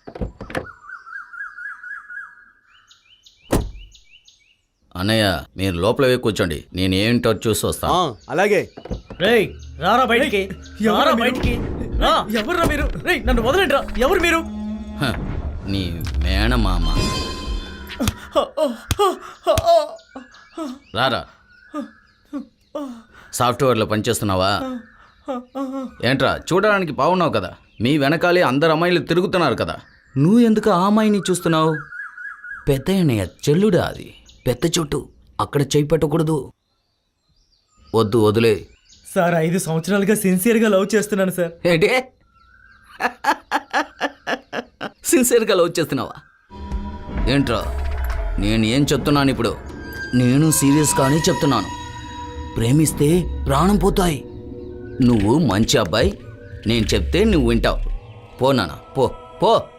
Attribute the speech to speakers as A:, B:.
A: అన్నయ్య మీరు లోపలవే కూర్చోండి, నేను ఏంటో చూసి వస్తాను.
B: అలాగే.
C: రేయ్ రారా బయటికి, రారా బయటికి. ఎవర్రా మీరు? రేయ్ నన్ను వదలండి రా. ఎవరు మీరు?
A: హ, నీ మేనమామ. రారా. సాఫ్ట్వేర్లో పనిచేస్తున్నావా? ఏంట్రా చూడడానికి బాగున్నావు కదా, మీ వెనకాలే అందరు అమ్మాయిలు తిరుగుతున్నారు కదా, నువ్వు ఎందుకు ఆ అమ్మాయిని చూస్తున్నావు? పెద్ద అన్నయ్య చెల్లుడా అది, పెద్ద చోటు, అక్కడ చేయి పెట్టకూడదు. వద్దు వదిలే.
C: సార్ 5 సంవత్సరాలుగా సిన్సియర్గా లవ్ చేస్తున్నాను సార్.
A: ఏంటి సిన్సియర్గా లవ్ చేస్తున్నావా? ఏంట్రా నేను ఏం చెప్తున్నాను ఇప్పుడు? నేను సీరియస్గానే చెప్తున్నాను. ప్రేమిస్తే ప్రాణం పోతాయి. నువ్వు మంచి అబ్బాయి, నేను చెప్తే నువ్వు వింటావు. పో నాన్న, పో పో.